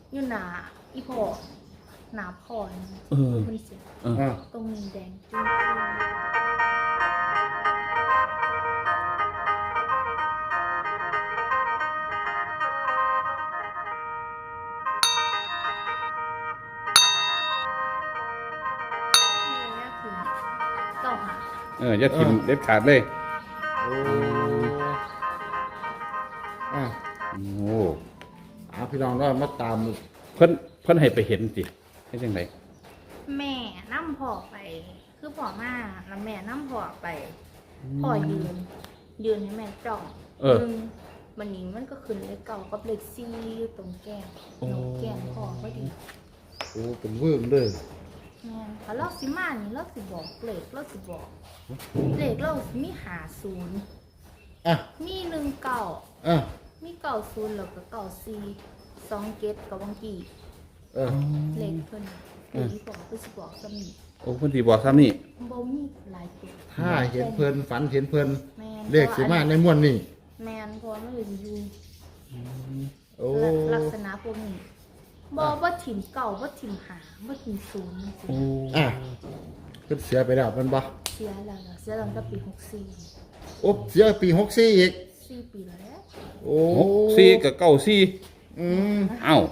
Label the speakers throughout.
Speaker 1: อยู่หนาอีพอหนาพอมันเสียตรงนี้แดงจุ้งเก้าหา
Speaker 2: อย่าทิมเด็ดขาดเลย
Speaker 3: โอ้
Speaker 2: โอ้
Speaker 3: พี่น้องว่ามาตาม
Speaker 2: เพิ่นให้ไปเห็นสิให้จังได
Speaker 1: แม่นั่มพอไปคือพอมาแล้วแม่นั่มพอไปพอยืนให้แม่จ้องมันนี้มันก็ขึ้นเลขเก่ากับเลข4อยู่ตรงแก้มหนกแก้มพอพอดี
Speaker 3: โอ้เป็นเวิร์มเลย
Speaker 1: แม่ถ้าเราสิมานี่เราสิบอกเลขเราสิบอกเลขเราสิมี50มี19มี90แล้วก็94 2 7กับบางทีเลขเพิ่นบอกคือสิบอกซ้ำนี่
Speaker 2: โอ้เพิ่นสิบอกซ้ำนี่
Speaker 1: บ่มีหลายตัว
Speaker 3: ถ้าเห็นเพิ่นฝันเห็นเพิ่นเลขสิมาในม่วนนี่
Speaker 1: แม่นเพราะมันอยู่
Speaker 3: โอ้
Speaker 1: ลักษณะพวกนี้บ่ถิ่มเก่าบ่ถิ่มหาบ่ถิ่มศูนย์
Speaker 2: โอ้
Speaker 3: เพิ่นเสียไปแล้วมันบ่
Speaker 1: เสียตั้งแต่ปี64
Speaker 3: โอ้เสียปี64อีก
Speaker 1: 4ปีแล้ว
Speaker 3: โอ้
Speaker 2: 64กับ94อ้าว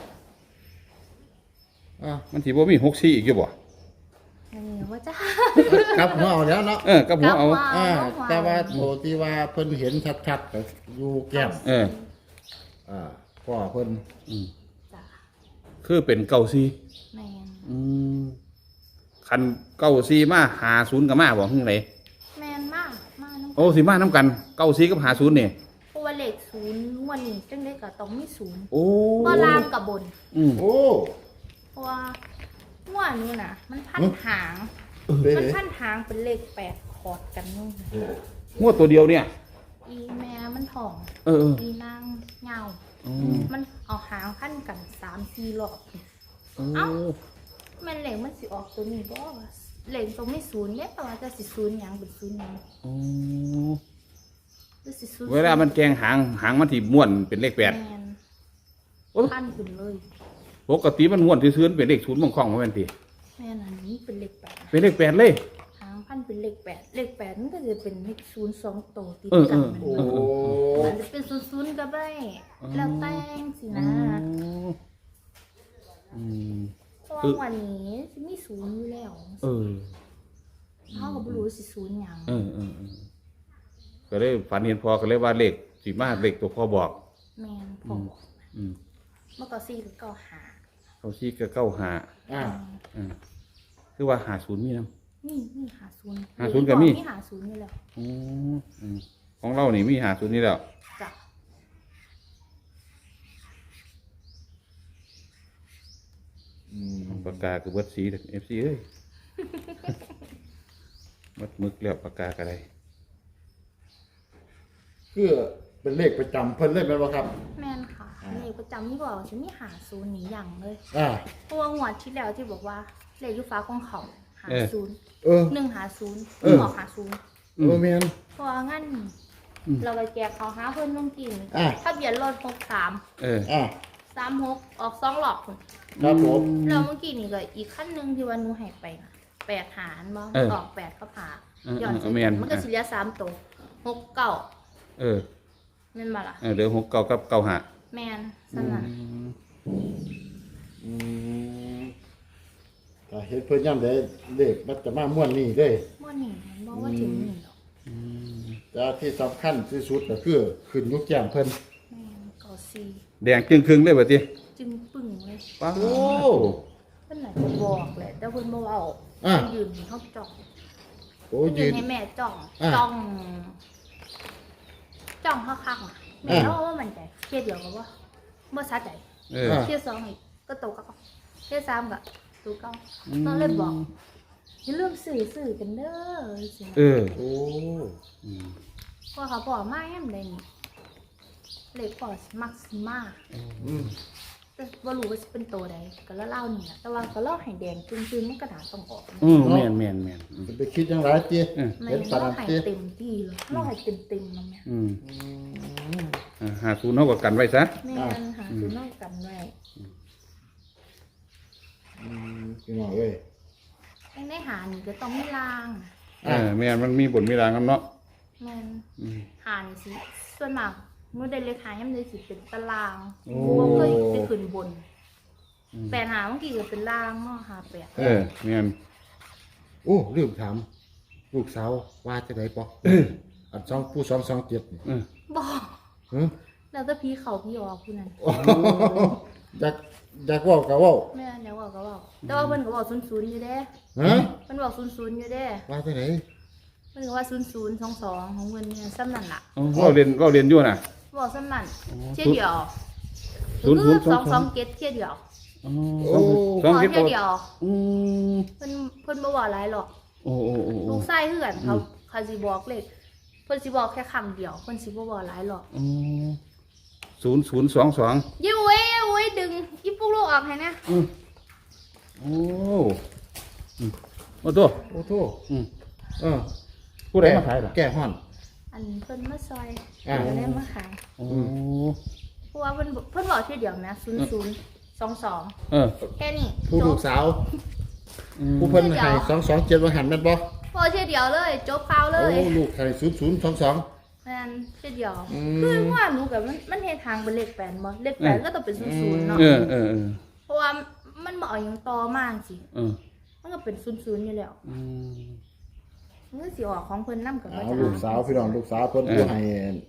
Speaker 2: มันสิบ่มี64อีกอยู่บ่
Speaker 1: ว่าจ้า
Speaker 3: กับหัวเอาแล้วเนาะ
Speaker 2: กับหัวเอา
Speaker 3: แต่ว่าโตที่ว่าเพิ่นเห็นชัดๆก็อยู่แก้มพ่อเพิ่น
Speaker 1: จ้า
Speaker 2: คือเป็น94
Speaker 1: แม่น
Speaker 2: คัน94มา50ก็มาบ่คือได
Speaker 1: แม่นมาก
Speaker 2: โอ้สิมานำกัน94กับ50นี่
Speaker 1: เพราะว่าเลข0วันนี้จังได๋ก็ต้องมี0
Speaker 2: โอ้
Speaker 1: บ่ล่างกับบน
Speaker 3: โอ้
Speaker 1: เพราะว่าหัวนี่น่ะมันพันหางเป็นเลข8ขอดกันนู่น
Speaker 2: หัวตัวเดียวเนี่ย
Speaker 1: อีแม่มันถ่องอีนางเหงามันเอาหางพันกัน 3-4 รอบเอ้ามันเหล็กมันสิออกตัวนี้บ่เหล็กตรงไม่ศูนย์เนี่ยแต่ว่าจะสิศูนย์หยังเป็นศูนย์หยัง
Speaker 2: เวลามันแกงหางมันที่ม้วนเป็นเลข8
Speaker 1: พันขึ้นเลย
Speaker 2: ปกติมันม้วนซื่อๆเป็นเลข0บางครั้งบ่แม่นติ
Speaker 1: แม่นอันนี้เป็นเลข8
Speaker 2: เป็นเลข8เลย
Speaker 1: หางพันเป็นเลข8เลข8มันก็จะเป็นเลข0 2ตัวติดกันมันจะเป็น00ก็ได้แล้วแต่งสินะเพราะวันนี้มี0อยู่แล้วเฮาก็บ่รู้สิ0หยัง
Speaker 2: ก็เลยฝันเห็นพ่อก็เลยว่าเลขสิมาเลขตัวพ่อบอก
Speaker 1: แม่นพ่อบอกเมื่อก่อน4หรือ95
Speaker 2: เขา4กับ95คือว่า50มีนำ
Speaker 1: นี่
Speaker 2: 50ก็มี
Speaker 1: 50นี่แหละ
Speaker 2: ของเรานี่มี50นี่แล้ว
Speaker 1: จ้ะ
Speaker 2: ปากกาคือเบิดสี FC เอ้ยมัดมึกแล้วปากกาก็ได้
Speaker 3: คือเป็นเลขประจำเพิ่นเลยแม่นบ่ครับ
Speaker 1: แม่นค่ะเลขประจำนี่บอกฉันมี50นี่อย่างเลยเพราะว่างวดที่แล้วที่บอกว่าเลขอยู่ฟ้าของเขา50 150ออก50
Speaker 3: แม่น
Speaker 1: เพราะงั้นเราไปแจกเขาหาเพิ่นลงกินทะเบียนรถ63 36ออก2รอบพุ่น
Speaker 3: ครับผม
Speaker 1: แล้วเมื่อกี้นี่ก็อีกคันนึงที่ว่าหนูให้ไปน่ะ8หารบ่ออก8กับ5ย้อนมันก็สิเหลือ3ตัว69แม่นบ่ล่ะ
Speaker 2: เหลือ69กับ95
Speaker 1: แม่นซั่นน่ะ
Speaker 3: ถ้าเฮ็ดเพิ่นยามใดเลขมันจะมาม่วนนี่เด้
Speaker 1: ม่วนนี่บ่ว่าถึงนี่ดอก
Speaker 3: แต่ที่สำคัญที่สุดก็คือขึ้นอยู่แก้มเพิ่น
Speaker 1: แม่น94
Speaker 2: แดงจึงครึ่งเลยบัดนี้
Speaker 1: จึงปึ้งเลย
Speaker 2: โอ้
Speaker 1: เพิ่นน่ะจะบอกแหละแต่เพิ่นบ่เว้ายืนเฮาจ้อง
Speaker 3: โอ้ยืน
Speaker 1: ให้แม่จ้องคักๆแม่เนาะว่ามันใจเที่ยเดียวก็บ่สะใจเที่ย2อีกก็โตก็เที่ย3ก็ตัวเก่าตอนเลยบอกอย่าลืมซื้อกันเด้อสิ
Speaker 3: โอ้
Speaker 1: พอเขาบอกมาแฮมได้นี่เลขพอมักสิมาแต่บ่รู้ว่าสิเป็นตัวใดก็เล่านี่แต่ว่าก็เล่าให้แดงจึงๆมันกระดาษต้องออก
Speaker 2: แม่น
Speaker 3: ไปคิดจังได๋ติ
Speaker 1: เห็นปานนั้นติเต็มที่เลยเล่าให้เต็มๆนำแม่
Speaker 2: 50เฮาก็กันไว้ซะ
Speaker 1: แม่น50เฮากันไว้
Speaker 3: พี่น้องเอ้ย
Speaker 1: ยังได้หานี่ก็ต้องมีราง
Speaker 2: แม่นมันมีบนมีรางกันเนาะ
Speaker 1: แม่นหานี่สิส่วนมากเมื่อได้เลขหายังได้สิเป็นตารางบ่เคยไปขึ้นบนแปดหาเมื่อกี้ก็เป็นรางเนาะหาแปด
Speaker 2: แม่น
Speaker 3: โอ้ลืมถามลูกสาวว่าจะไหนปออันผู้227นี่
Speaker 1: บอก
Speaker 3: ฮะ
Speaker 1: แล้วแต่พี่เขาพี่ออกผู้นั้น
Speaker 3: อยากเว้าก็เว้า
Speaker 1: แม่เนี่ยบอกก็บอกแต่ว่าเพิ่นก็บอก00อยู่เด้
Speaker 3: ฮะ
Speaker 1: เพิ่นบอก00อยู่เด้
Speaker 3: ว่าจะไหน
Speaker 1: เพิ่นก็ว่า0022ของเพิ่นเนี่ยซ้ำนั่นล่ะ
Speaker 2: เว้าเรียนอยู่น่ะ
Speaker 1: บอกซ้ำนั่นเที่ยเดียว
Speaker 2: 0022
Speaker 1: เกตเที่ยเดียว
Speaker 3: โอ้
Speaker 1: บอก
Speaker 2: 2
Speaker 1: เที่ยเดียว
Speaker 2: อืม
Speaker 1: เพิ่นบ่บอกหลายหรอก
Speaker 2: โอ้
Speaker 1: ลูกชายคือกันเขาสิบอกเลขเพิ่นสิบอกแค่ครั้งเดียวเพิ่นสิบ่บอกหลายหรอก
Speaker 2: 0022
Speaker 1: ยิ้วเว้ยดึงอีปุ๊กลูกออกให้นะ
Speaker 2: โอ้ตัว
Speaker 3: โอ้โท
Speaker 2: ผู้ใดมาขายล่ะ
Speaker 3: แก้ฮ้อน
Speaker 1: อันเพิ่นมาซอย
Speaker 3: อ่า
Speaker 1: เพิ่นได้มาขาย
Speaker 2: โอ้
Speaker 1: เพราะว่าเพิ่นบอกเที่ยเดียวนะ0022แค่นี้
Speaker 3: ผู้
Speaker 1: จ
Speaker 3: ลู
Speaker 1: บ
Speaker 3: กสาวผู้เพิ่นให้227ว่าหันแม่นบ่
Speaker 1: พอเที่ยเดียวเลยจบข่าวเล
Speaker 3: โอ้
Speaker 1: ย
Speaker 3: ลูกให้0022
Speaker 1: แม่นเที่ยเดียว
Speaker 3: อืม
Speaker 1: คือว่าหนูกับมันเฮ็ดทางเป็นเลขแปดบ่เลขแปดก็ต้องเป็น00เนาะ เพราะว่ามันบ่เอาหยังต่อมาสิมันก็เป็น00อยู่แล้วมันก็สิออกของเพิ่นนำกับว่าจะ
Speaker 3: ลูกสาวพี่น้องลูกสาวเพิ่นผู้ให้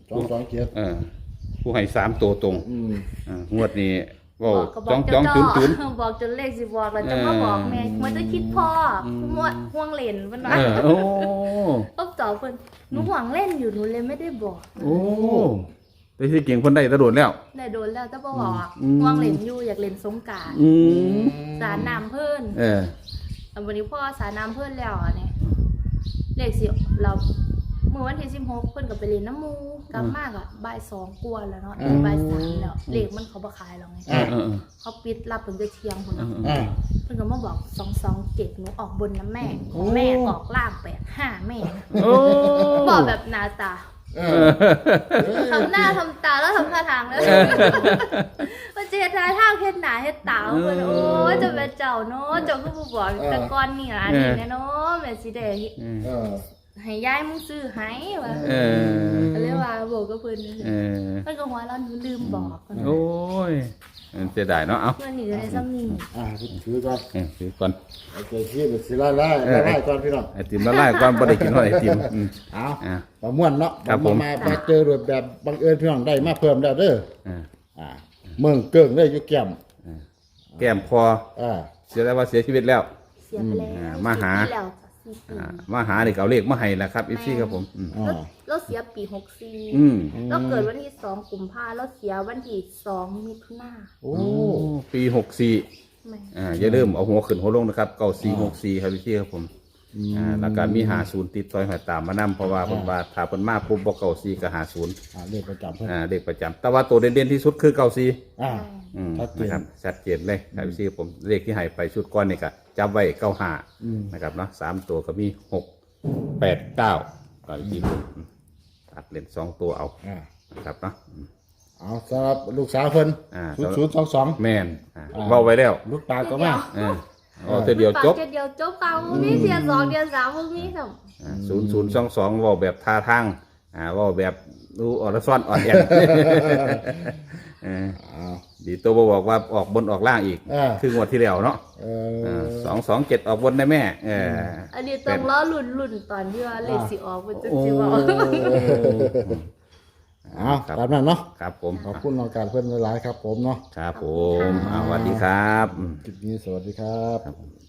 Speaker 3: 227
Speaker 2: ผู้ให้3ตัวตรงงวดนี้เว้า
Speaker 1: บอก
Speaker 2: 2200
Speaker 1: บอกจนเลขสิบอกแล้วจะมาบอกแม่มันจะคิดพ่อห่วงเล่นเพิ่นว่า
Speaker 2: โอ้
Speaker 1: ก็ตอบเพิ่นหนูห่วงเล่นอยู่หนูเลยไม่ได้บอก
Speaker 2: โอ้ได้ที่เก่งเพิ่นได้ตะโดดแล้ว
Speaker 1: ได้โดนแล้วแต่บ่บอกห่วงเล่นอยู่อยากเล่นสงกรานต์สารน้ำเพิ่นวันนี้พ่อสารน้ำเพิ่นแล้วอันนี้เลขสิเราเมื่อวันที่16เพิ่นก็ไปเล่นน้ำมูกลับมาก็บ่าย2กว่าแล้วเนาะบ่าย3แล้วเลขมันเขาบ่ขายแล้วไงเขาปิดรับเพิ่นก็เที่ยงพุ่นเนาะเพิ่นก็มาบอก227หนูออกบนนะแม่ของแม่ออกล่าง85แม่บอกแบบหน้าตาทำหน้าทำตาแล้วทำท่าทางแล้วมันจะเฮ็ดท่าทางเฮ็ดหน้าเฮ็ดตาเพิ่นโอ้ยจะเป็นเจ้าเนาะเจ้าก็บ่บอกแต่ก่อนนี่ล่ะอันนี้แน่เนาะแม่สิได้ให้ยายมึงซื้อให้ว่าก็เลยว่าบอกกับเพิ่นเพิ่นก็หัวเราะหนูลืมบอกเพิ่น
Speaker 2: โอ้ยเสียดายเนาะเอา
Speaker 1: เพิ่นนี่ก็ได้ซ้ำนี่
Speaker 3: ถือก่อน
Speaker 2: ถือก่อน
Speaker 3: โอเคที่สิไล่ก่อนพี่น้อง
Speaker 2: ไอติมละลายก่อนบ่ได้กินหอยไอติม
Speaker 3: เอาประมวลเนาะ
Speaker 2: ครับผม
Speaker 3: มาเจอรูปแบบบังเอิญพี่น้องได้มาเพิ่มแล้วเด้อเมืองเกิ้งเลยอยู่แก้ม
Speaker 2: แก้มคอเสียแล้วว่าเสียชีวิตแล้ว
Speaker 1: เสียไปแล้ว
Speaker 2: มาหา
Speaker 1: 4ปีแล้วจ้ะ4ปี
Speaker 2: มาหานี่ก็เอาเลขมาให้แล้วครับอีซี่ครับผม
Speaker 1: เราเสียปี64เราเกิดวันที่2กุมภาพันธ์เราเสียวันที่2มิถุนายน
Speaker 3: โอ้
Speaker 2: ปี64อย่าลืมเอาหัวขึ้นหัวลงนะครับ9464ครับอีซี่ครับผมแล้วก็มี50ติดต่อยหอยตามมานำเพราะว่าเพิ่นว่าถ้าเพิ่นมาปุ๊บบ่94ก็50
Speaker 3: เลขประจำเพิ่น
Speaker 2: เลขประจำแต่ว่าตัวเด่นๆที่สุดคือ94
Speaker 3: ชัดเจน
Speaker 2: นะครับชัดเจนเลยครับพี่ผมเลขที่ให้ไปชุดก้อนนี่ก็จับไว้95นะครับเนาะ3ตัวก็มี6 8 9ก็พี่ผมตัดเล่น2ตัวเอานะครับเนาะ
Speaker 3: เอาสำหรับลูกสาวเพิ่น0022
Speaker 2: แม่นเว้าไว้แล้ว
Speaker 3: ลูกตาก็มา
Speaker 2: เอาแต่เดียวจบ
Speaker 1: เดียวจบเอามีเสีย2เดือน3บ่มีครับ
Speaker 2: 0022เว้าแบบท่าทางเว้าแบบดูอ่อนซ่อนอ่อนแอนดีตัวบอกว่าออกบนออกล่างอีกคืองวดที่แล้วเนาะ227ออกบนได้แม่
Speaker 1: อันนี้ต้องล้อลุ่นตอนที่ว่าเลขสิออกมันจะสิว่า
Speaker 3: ตามนั้นเนาะ
Speaker 2: ครับผม
Speaker 3: ขอบคุณน้องการเพื่อนหลายๆครับผมเนาะ
Speaker 2: ครับผมสวัสดีครับ
Speaker 3: คลิปนี้สวัสดีครับ